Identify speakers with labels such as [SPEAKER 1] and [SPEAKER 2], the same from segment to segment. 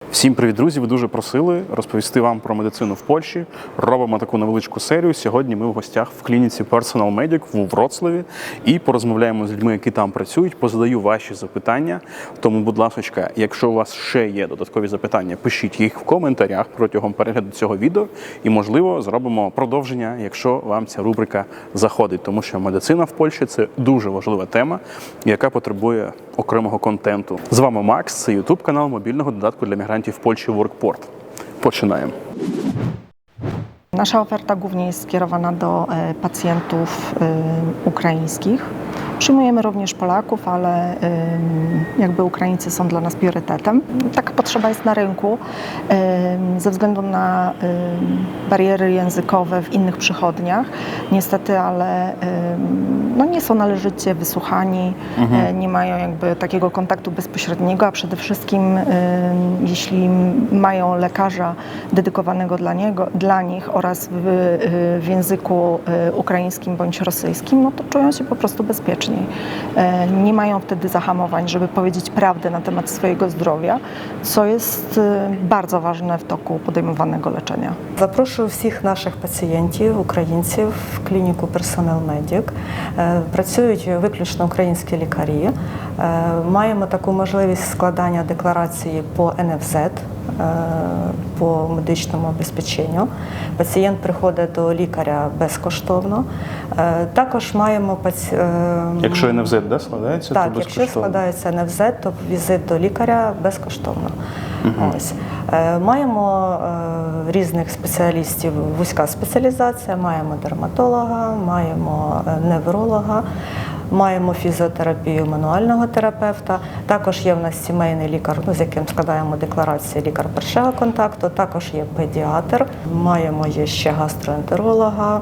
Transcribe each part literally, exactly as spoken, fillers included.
[SPEAKER 1] Всім привіт, друзі! Ви дуже просили розповісти вам про медицину в Польщі. Робимо таку невеличку серію. Сьогодні ми в гостях в клініці Personal Medic у Вроцлаві і порозмовляємо з людьми, які там працюють, позадаю ваші запитання. Тому, будь ласка, якщо у вас ще є додаткові запитання, пишіть їх в коментарях протягом перегляду цього відео і, можливо, зробимо продовження, якщо вам ця рубрика заходить. Тому що медицина в Польщі – це дуже важлива тема, яка потребує окремого контенту. З вами Макс, це ютуб канал мобільного додатку для мігрантів в Польщі WorkPort. Починаємо.
[SPEAKER 2] Nasza oferta głównie jest skierowana do e, pacjentów e, ukraińskich. Przyjmujemy również Polaków, ale e, jakby Ukraińcy są dla nas priorytetem. Taka potrzeba jest na rynku e, ze względu na e, bariery językowe w innych przychodniach. Niestety, ale e, no nie są należycie wysłuchani, mhm. e, nie mają jakby takiego kontaktu bezpośredniego, a przede wszystkim e, jeśli mają lekarza dedykowanego dla, niego, dla nich oraz w, w języku ukraińskim bądź rosyjskim, no to czują się po prostu bezpieczniej. Nie mają wtedy zahamowań, żeby powiedzieć prawdę na temat swojego zdrowia, co jest bardzo ważne w toku podejmowanego leczenia.
[SPEAKER 3] Запрошую всіх наших пацієнтів, українців в клініку Personal Medic. Працюють виключно українські лікарі. Маємо таку можливість складання декларації по ен еф зет, по медичному обезпеченню. Пацієнт приходить до лікаря безкоштовно. Також маємо паці...
[SPEAKER 1] Якщо ен еф зет, да, складається,
[SPEAKER 3] так,
[SPEAKER 1] то безкоштовно?
[SPEAKER 3] якщо складається ен еф зет, то візит до лікаря безкоштовно. Угу. Ось. Маємо різних спеціалістів, вузька спеціалізація, маємо дерматолога, маємо невролога, маємо фізіотерапію мануального терапевта, також є в нас сімейний лікар, ну, з яким складаємо декларації, лікар першого контакту, також є педіатр, маємо є ще гастроентеролога,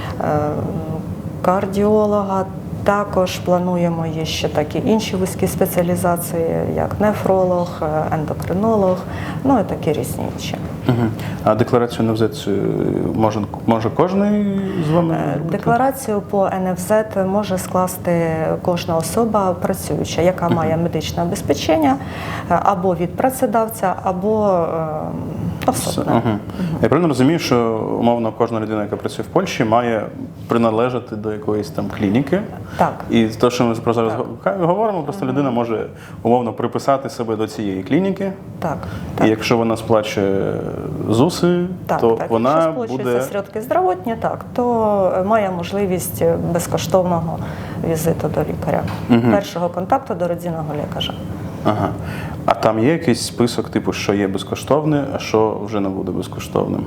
[SPEAKER 3] кардіолога, також плануємо є ще такі інші вузькі спеціалізації, як нефролог, ендокринолог, ну і такі різні інші.
[SPEAKER 1] Угу. А декларацію ен еф зет може, може кожен з вами робити?
[SPEAKER 3] Декларацію по ен еф зет може скласти кожна особа працююча, яка угу. має медичне обезпечення або від працедавця, або особисто.
[SPEAKER 1] Угу. Угу. Я правильно розумію, що умовно кожна людина, яка працює в Польщі, має приналежати до якоїсь там клініки?
[SPEAKER 3] Так.
[SPEAKER 1] І те, що ми про зараз так. говоримо, просто угу. людина може умовно приписати себе до цієї клініки.
[SPEAKER 3] Так.
[SPEAKER 1] І
[SPEAKER 3] так.
[SPEAKER 1] якщо вона сплачує ЗУСи,
[SPEAKER 3] так,
[SPEAKER 1] то
[SPEAKER 3] так.
[SPEAKER 1] вона
[SPEAKER 3] якщо
[SPEAKER 1] буде...
[SPEAKER 3] сплачується сродки здравотні, так, то має можливість безкоштовного візиту до лікаря. Угу. Першого контакту до родинного лікаря.
[SPEAKER 1] Ага. А там є якийсь список, типу, що є безкоштовне, а що вже не буде безкоштовним?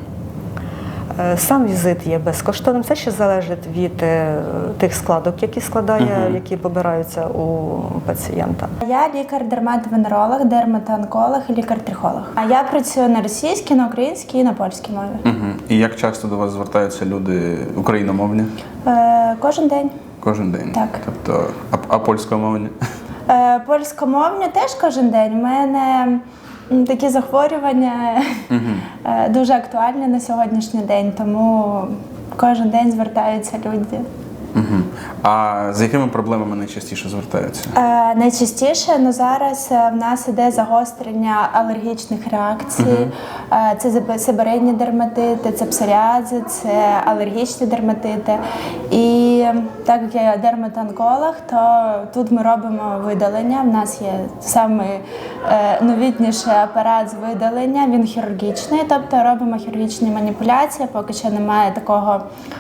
[SPEAKER 3] Сам візит є безкоштовним. Це ще залежить від тих складок, які складає, uh-huh. які побираються у пацієнта.
[SPEAKER 4] Я лікар-дерматовенеролог, дерматоонколог і лікар-трихолог. А я працюю на російській, на українській і на польській мові.
[SPEAKER 1] Uh-huh. І як часто до вас звертаються люди україномовні?
[SPEAKER 4] Е, кожен день.
[SPEAKER 1] Кожен день?
[SPEAKER 4] Так.
[SPEAKER 1] Тобто, а, а польськомовні?
[SPEAKER 4] Е, польськомовні теж кожен день. У мене такі захворювання uh-huh. дуже актуальні на сьогоднішній день, тому кожен день звертаються люди.
[SPEAKER 1] Uh-huh. А з якими проблемами найчастіше звертаються?
[SPEAKER 4] Е, найчастіше, ну зараз в нас іде загострення алергічних реакцій. Uh-huh. Е, це себорейні дерматити, це псоріази, це алергічні дерматити. І так як я дерматоонколог, то тут ми робимо видалення. В нас є самий е, новітніший апарат з видалення, він хірургічний, тобто робимо хірургічні маніпуляції, поки що немає такого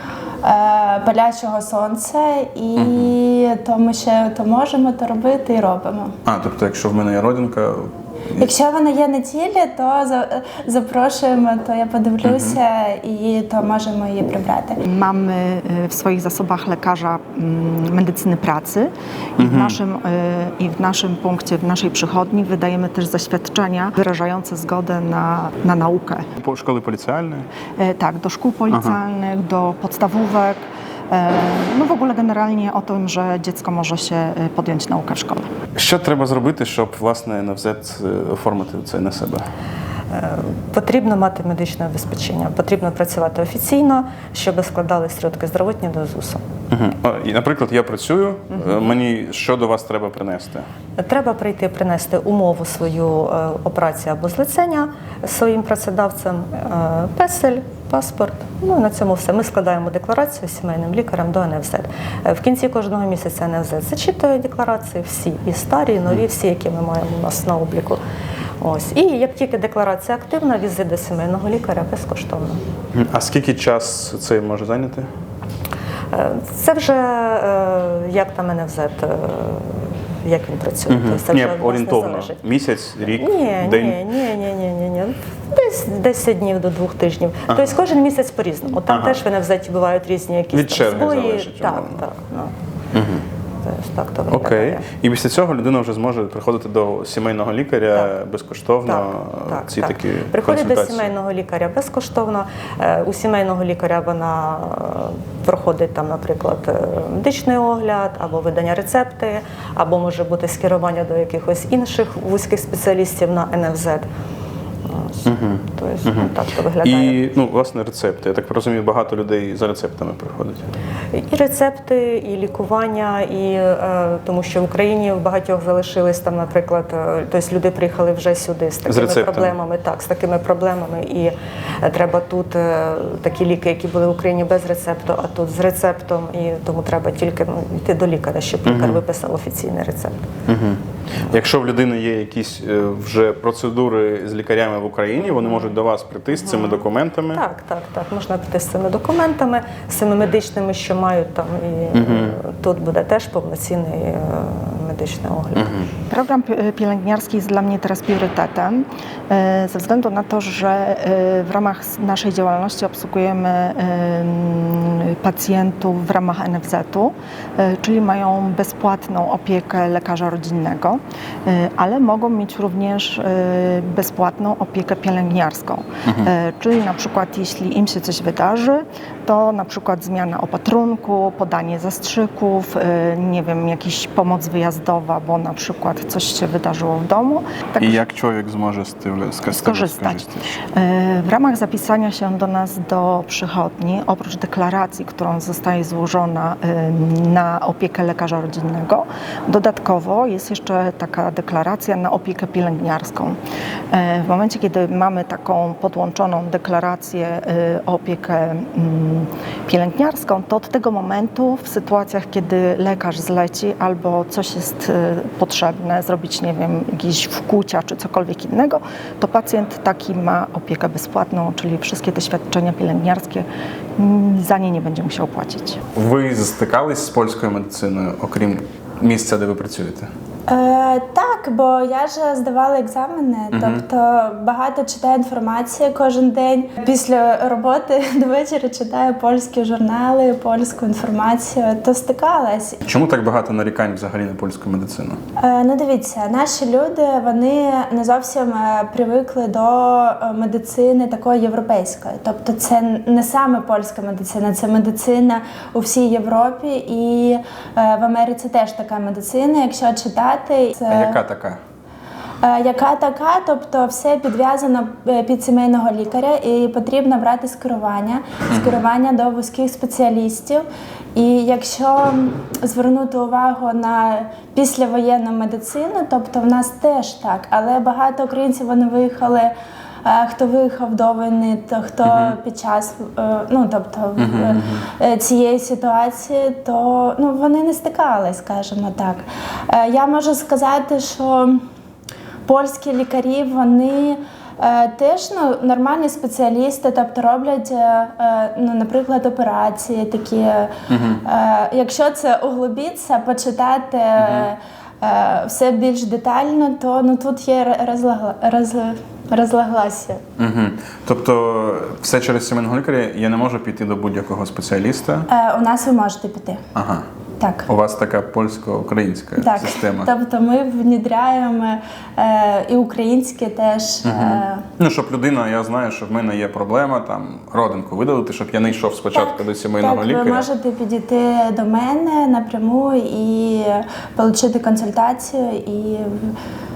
[SPEAKER 4] палячого сонця, і uh-huh. то ми ще то можемо то робити і робимо.
[SPEAKER 1] А, тобто, якщо в мене є родинка...
[SPEAKER 4] Якщо вона є на тілі, то запрошуємо, to ja podywluję i to możemy je przebrać.
[SPEAKER 2] Mamy w swoich zasobach lekarza medycyny pracy i w naszym, i w naszym punkcie, w naszej przychodni wydajemy też zaświadczenia wyrażające zgodę na, na naukę.
[SPEAKER 1] Po szkoły policjalne?
[SPEAKER 2] Tak, do szkół policjalnych, do podstawówek. No w ogóle generalnie o tym, że dziecko może się podjąć naukę w szkole.
[SPEAKER 1] Що треба зробити, щоб, власне, ен еф зет оформити це на себе?
[SPEAKER 3] Е, Потрібно мати медичне забезпечення, потрібно працювати офіційно, щоб складали стрітки здравотні до ЗУСу.
[SPEAKER 1] Угу. І, наприклад, я працюю, угу. мені що до вас треба принести?
[SPEAKER 3] Треба прийти принести умову свою е, операції або злицення своїм працедавцем, е, песель, паспорт. Ну і на цьому все. Ми складаємо декларацію з сімейним лікарем до ен еф зет. Е, В кінці кожного місяця ен еф зет зачитує декларації, всі, і старі, і нові, всі, які ми маємо у нас на обліку. Ось. І як тільки декларація активна, візит до сімейного лікаря безкоштовно.
[SPEAKER 1] А скільки час це може зайняти?
[SPEAKER 3] Е, Це вже е, як там ен еф зет, е, як він працює.
[SPEAKER 1] Угу.
[SPEAKER 3] Тобто це
[SPEAKER 1] Ні,
[SPEAKER 3] вже від нас не
[SPEAKER 1] орієнтовно.
[SPEAKER 3] залежить.
[SPEAKER 1] Місяць, рік,
[SPEAKER 3] Ні,
[SPEAKER 1] день?
[SPEAKER 3] ні, ні, ні, ні, ні, ні. Десь десять днів до двох тижнів. Ага. Тобто кожен місяць по-різному. Там
[SPEAKER 1] Ага.
[SPEAKER 3] теж в ен еф зеті бувають різні якісь
[SPEAKER 1] Від
[SPEAKER 3] там
[SPEAKER 1] черги
[SPEAKER 3] збої.
[SPEAKER 1] залежить,
[SPEAKER 3] Так,
[SPEAKER 1] умовно.
[SPEAKER 3] так. Ну.
[SPEAKER 1] Угу.
[SPEAKER 3] Тобто, так то виглядає.
[SPEAKER 1] Окей. І після цього людина вже зможе приходити до сімейного лікаря
[SPEAKER 3] Так.
[SPEAKER 1] безкоштовно.
[SPEAKER 3] Так, так,
[SPEAKER 1] ці
[SPEAKER 3] так.
[SPEAKER 1] такі
[SPEAKER 3] Приходить до
[SPEAKER 1] консультації.
[SPEAKER 3] сімейного лікаря безкоштовно. Е, У сімейного лікаря вона е, проходить там, наприклад, е, медичний огляд, або видання рецепти, або може бути скерування до якихось інших вузьких спеціалістів на ен еф зет. Ось.
[SPEAKER 1] Угу.
[SPEAKER 3] Тобто, ну, так то виглядає.
[SPEAKER 1] І, ну, власне, рецепти. Я так розумію, багато людей за рецептами приходять.
[SPEAKER 3] І рецепти, і лікування, і е, тому що в Україні в багатьох залишились там, наприклад, е, тобто люди приїхали вже сюди з такими
[SPEAKER 1] рецептами.
[SPEAKER 3] проблемами, так, з такими проблемами, і е, треба тут е, такі ліки, які були в Україні без рецепту, а тут з рецептом, і тому треба тільки ну, йти до лікаря, щоб лікар
[SPEAKER 1] Мгм.
[SPEAKER 3] виписав офіційний рецепт.
[SPEAKER 1] Угу. Якщо в людини є якісь е, вже процедури з лікарями в Україні, вони можуть до вас прийти з цими документами.
[SPEAKER 3] Так, так, так. Можна піти з цими документами, з цими медичними, що мають там, і
[SPEAKER 1] Мгм.
[SPEAKER 3] е, тут буде теж повноцінний е, medyczny ogląd.
[SPEAKER 1] Mhm.
[SPEAKER 2] Program pi- pielęgniarski jest dla mnie teraz priorytetem, e, ze względu na to, że e, w ramach s- naszej działalności obsługujemy em, pacjentów w ramach en ef zetu, e, czyli mają bezpłatną opiekę lekarza rodzinnego, e, ale mogą mieć również e, bezpłatną opiekę pielęgniarską. E, Czyli na przykład jeśli im się coś wydarzy, to na przykład zmiana opatrunku, podanie zastrzyków, e, nie wiem, jakaś pomoc wyjazdowa, bo na przykład coś się wydarzyło w domu. Tak
[SPEAKER 1] І як чоловік зможе з тим
[SPEAKER 2] skorzystać. E, W ramach zapisania się do nas do przychodni, oprócz deklaracji, którą zostaje złożona e, na opiekę lekarza rodzinnego, dodatkowo jest jeszcze taka deklaracja na opiekę pielęgniarską. E, W momencie, kiedy mamy taką podłączoną deklarację e, o opiekę mm, pielęgniarską, to od tego momentu w sytuacjach, kiedy lekarz zleci albo coś jest e, potrzebne, zrobić, nie wiem, jakieś wkłucia czy cokolwiek innego, to pacjent taki ma opiekę bezpłatną, czyli wszystkie te świadczenia pielęgniarskie mm, za nie nie będzie musiał płacić.
[SPEAKER 1] Ви стикались з польською медициною, окрім місця, де ви працюєте?
[SPEAKER 4] Е, так, бо я ж здавала екзамени, тобто багато читаю інформації кожен день. Після роботи до вечора читаю польські журнали, польську інформацію, то стикалась.
[SPEAKER 1] Чому так багато нарікань взагалі на польську медицину?
[SPEAKER 4] Е, ну дивіться, наші люди, вони не зовсім е, привикли до е, медицини такої європейської. Тобто це не саме польська медицина, це медицина у всій Європі, і е, в Америці теж така медицина, якщо читати. Це...
[SPEAKER 1] А яка така?
[SPEAKER 4] Е, Яка така, тобто все підв'язано е, під сімейного лікаря і потрібно брати скерування, скерування до вузьких спеціалістів. І якщо звернути увагу на післявоєнну медицину, тобто в нас теж так, але багато українців вони виїхали, е, хто виїхав до війни, то хто uh-huh. під час е, ну, тобто, uh-huh. е, цієї ситуації, то ну, вони не стикались, скажімо так. Е, Я можу сказати, що польські лікарі, вони е, теж ну, нормальні спеціалісти, тобто роблять, е, ну, наприклад, операції такі. Е, е, якщо це углубитися, почитати е, е, все більш детально, то ну, тут є розлагла, роз, розлаглася.
[SPEAKER 1] Угу. Тобто все через сімейного лікаря, я не можу піти до будь-якого спеціаліста?
[SPEAKER 4] Е, у нас ви можете піти.
[SPEAKER 1] Ага.
[SPEAKER 4] Так.
[SPEAKER 1] У вас така польсько-українська
[SPEAKER 4] Так,
[SPEAKER 1] система.
[SPEAKER 4] тобто ми внедряємо е, і українське теж.
[SPEAKER 1] Угу.
[SPEAKER 4] Е,
[SPEAKER 1] Ну, щоб людина, я знаю, що в мене є проблема, там, родинку видалити, щоб я не йшов спочатку
[SPEAKER 4] так,
[SPEAKER 1] до сімейного
[SPEAKER 4] так,
[SPEAKER 1] лікаря.
[SPEAKER 4] ви можете підійти до мене напряму і отримати консультацію і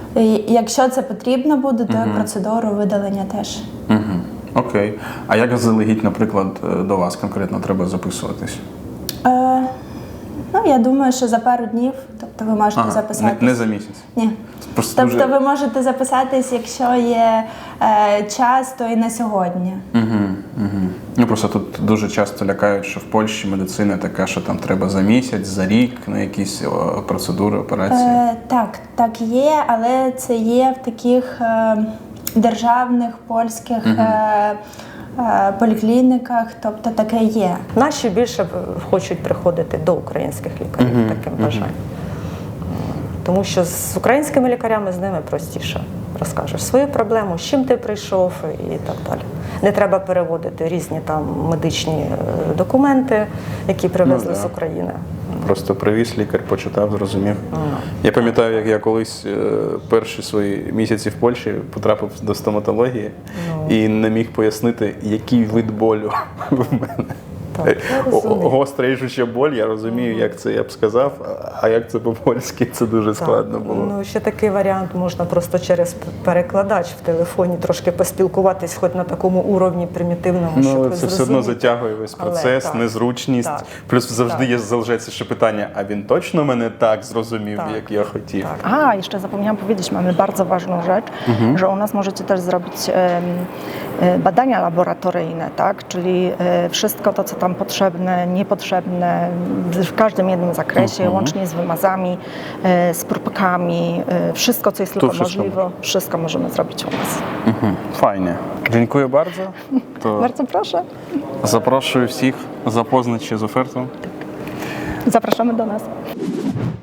[SPEAKER 4] І якщо це потрібно буде, то і процедуру видалення теж.
[SPEAKER 1] Угу. Окей. А як заздалегідь, наприклад, до вас конкретно треба записуватись?
[SPEAKER 4] Е, ну, я думаю, що за пару днів, тобто ви можете
[SPEAKER 1] Ага,
[SPEAKER 4] записатись.
[SPEAKER 1] Не, не за місяць?
[SPEAKER 4] Ні.
[SPEAKER 1] Просто
[SPEAKER 4] Тобто
[SPEAKER 1] дуже-
[SPEAKER 4] ви можете записатись, якщо є е, час, то і на сьогодні.
[SPEAKER 1] Угу, угу. Ну просто тут дуже часто лякають, що в Польщі медицина така, що там треба за місяць, за рік на якісь о, процедури, операції.
[SPEAKER 4] Е, так, так є, але це є в таких е, державних польських е, е, поліклініках, тобто таке є.
[SPEAKER 3] Наші більше б хочуть приходити до українських лікарів таким бажанням. Тому що з українськими лікарями з ними простіше розкажеш свою проблему, з чим ти прийшов і так далі. Не треба переводити різні там медичні е, документи, які привезли
[SPEAKER 1] Ну, да.
[SPEAKER 3] з України.
[SPEAKER 1] Просто привіз лікар, почитав, зрозумів. Я пам'ятаю, як я колись е, перші свої місяці в Польщі потрапив до стоматології і не міг пояснити, який вид болю в мене.
[SPEAKER 3] Так, я
[SPEAKER 1] О-
[SPEAKER 3] розумію.
[SPEAKER 1] Гостра ріжуча боль, я розумію, як це я б сказав, а як це по-польськи, це дуже складно було.
[SPEAKER 3] Ну, ще такий варіант можна просто через перекладач в телефоні трошки поспілкуватись, хоч на такому уровні примітивному,
[SPEAKER 1] Ну,
[SPEAKER 3] щоб
[SPEAKER 1] але
[SPEAKER 3] ви
[SPEAKER 1] це все одно
[SPEAKER 3] зрозуміли.
[SPEAKER 1] затягує весь
[SPEAKER 3] Але
[SPEAKER 1] процес,
[SPEAKER 3] так,
[SPEAKER 1] незручність.
[SPEAKER 3] так,
[SPEAKER 1] Плюс завжди
[SPEAKER 3] так.
[SPEAKER 1] є залишається ще питання, а він точно мене так зрозумів,
[SPEAKER 3] Так,
[SPEAKER 1] як я хотів?
[SPEAKER 3] так.
[SPEAKER 2] A, jeszcze zapomniałam powiedzieć, mamy bardzo ważną rzecz, że u nas możecie też zrobić em, e, badania laboratoryjne, tak? Czyli e, wszystko to, co tam potrzebne, niepotrzebne, w- w każdym jednym zakresie, łącznie z wymazami, e, z próbkami, e, wszystko, co jest tylko
[SPEAKER 1] wszystko
[SPEAKER 2] możliwe, wszystko możemy zrobić u nas.
[SPEAKER 1] Мгм. Файне. Дякую bardzo. То
[SPEAKER 2] Bardzo proszę,
[SPEAKER 1] запрошую всіх запознати ще з офертою.
[SPEAKER 2] zapraszamy do nas.